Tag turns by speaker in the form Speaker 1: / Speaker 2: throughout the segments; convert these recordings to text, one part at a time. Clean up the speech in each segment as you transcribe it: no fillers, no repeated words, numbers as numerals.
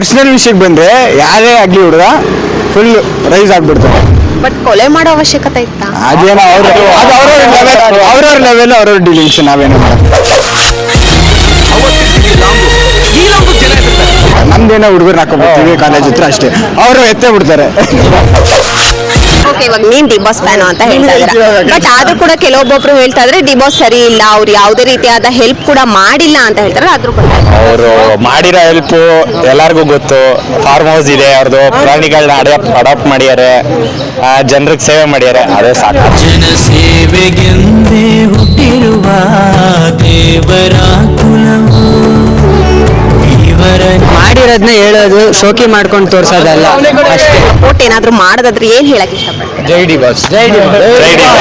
Speaker 1: Personal ವಿಷಯಕ್ಕೆ ಬಂದ್ರೆ ಯಾರೇ ಆಗ್ಲಿ ಹುಡುಗ ಫುಲ್ ರೈಸ್ ಆಗ್ಬಿಡ್ತಾರೆ.
Speaker 2: ಬಟ್ ಕೊಲೆ ಮಾಡೋ ಅವಶ್ಯಕತೆ ಇತ್ತಾ?
Speaker 1: ಅದೇನೋ ಅವ್ರವ್ರ ಲೆವೆಲ್ ಅವ್ರವ್ರ ಡೀಲಿಂಗ್ಸ್, ನಾವೇನು ನಮ್ದೇನೋ ಹುಡುಗರು ಹಾಕೊಂಡ್ಬಿಡ್ತೀವಿ ಕಾಲೇಜ್ ಹತ್ರ ಅಷ್ಟೇ, ಅವರು ಎತ್ತೇ ಬಿಡ್ತಾರೆ.
Speaker 2: ಓಕೆ, ಇವಾಗ ನೀನ್ ಡಿ ಬಾಸ್ ಫ್ಯಾನು ಅಂತ ಹೇಳ್ತಾ ಇದ್ದೀರಾ, ಬಟ್ ಆದ್ರೂ ಕೂಡ ಕೆಲವೊಬ್ಬೊಬ್ರು ಹೇಳ್ತಾ ಇದ್ರೆ ಡಿ ಬಾಸ್ ಸರಿ ಇಲ್ಲ, ಅವ್ರು ಯಾವುದೇ ರೀತಿಯಾದ ಹೆಲ್ಪ್ ಕೂಡ ಮಾಡಿಲ್ಲ ಅಂತ ಹೇಳ್ತಾರೆ. ಆದ್ರೂ ಕೂಡ
Speaker 3: ಅವರು ಮಾಡಿರೋ ಹೆಲ್ಪ್ ಎಲ್ಲರಿಗೂ ಗೊತ್ತು. ಫಾರ್ಮ್ ಹೌಸ್ ಇದೆ ಅವ್ರದ್ದು, ಪ್ರಾಣಿಗಳನ್ನ ಅಡಾಪ್ಟ್ ಮಾಡ್ಯಾರೆ, ಜನರಿಗೆ ಸೇವೆ ಮಾಡ್ಯಾರೆ, ಅದೇ ಸಾಕು.
Speaker 4: ಜನ ಸೇವೆಗೆಂದೇ ಹುಟ್ಟಿರುವ ದೇವರ ಕುಲವು
Speaker 5: ಮಾಡಿರೋದನ್ನ ಹೇಳೋದು, ಶೋಕಿ ಮಾಡ್ಕೊಂಡು ತೋರ್ಸೋದಲ್ಲ ಅಷ್ಟೇ.
Speaker 2: ಒಟ್ಟು ಏನಾದ್ರು ಮಾಡೋದಾದ್ರೆ ಏನ್ ಹೇಳಕ್ ಇಷ್ಟಪಡ್ತಾರೆ?
Speaker 3: ಜೈ ಡಿ ಬಾಸ್, ಜೈ ಡಿ ಬಾಸ್, ಜೈ ಡಿ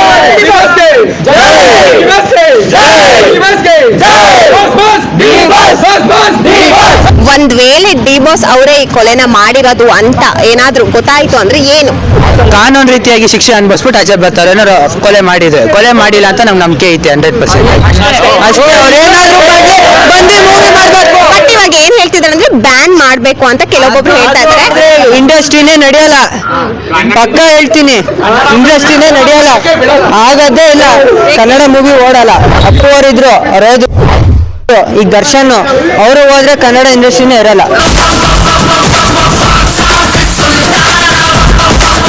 Speaker 3: ಬಾಸ್.
Speaker 2: ಒಂದ್ ವೇಳೆ ಡಿ ಬಾಸ್ ಅವರೇ ಈ ಕೊಲೆನ ಮಾಡಿರೋದು ಅಂತ ಏನಾದ್ರೂ ಗೊತ್ತಾಯ್ತು ಅಂದ್ರೆ ಏನು?
Speaker 5: ಕಾನೂನು ರೀತಿಯಾಗಿ ಶಿಕ್ಷೆ ಅನ್ಭವಿಸ್ಬಿಟ್ಟು ಆಚೆ ಬರ್ತಾರೆ. ಏನಾರು ಕೊಲೆ ಮಾಡಿದ್ರೆ, ಕೊಲೆ ಮಾಡಿಲ್ಲ ಅಂತ ನಮ್ಗೆ ನಂಬಿಕೆ ಐತೆ 100%. ಅಷ್ಟೇ, ಅವ್ರು ಏನಾದ್ರು ಬಂದು ಮೂವಿ ಮಾಡ್ಬೇಕು.
Speaker 2: ಬಟ್ ಇವಾಗ ಏನ್ ಹೇಳ್ತಿದ್ದಾರೆ ಅಂದ್ರೆ ಬ್ಯಾನ್ ಮಾಡ್ಬೇಕು ಅಂತ ಕೆಲವೊಬ್ಬೊಬ್ರು ಹೇಳ್ತಾ ಇದ್ದಾರೆ.
Speaker 5: ಇಂಡಸ್ಟ್ರಿನೇ ನಡೆಯಲ್ಲ, ಪಕ್ಕ ಹೇಳ್ತೀನಿ, ಇಂಡಸ್ಟ್ರಿನೇ ನಡೆಯಲ್ಲ, ಆಗದೇ ಇಲ್ಲ. ಕನ್ನಡ ಮೂವಿ ಓಡಲ್ಲ. ಅಪ್ಪು ಅವರಿದ್ರು, ಅವ್ರು ಈಗ ದರ್ಶನ್ ಅವರು ಹೋದ್ರೆ ಕನ್ನಡ ಇಂಡಸ್ಟ್ರಿನೇ ಇರಲ್ಲ.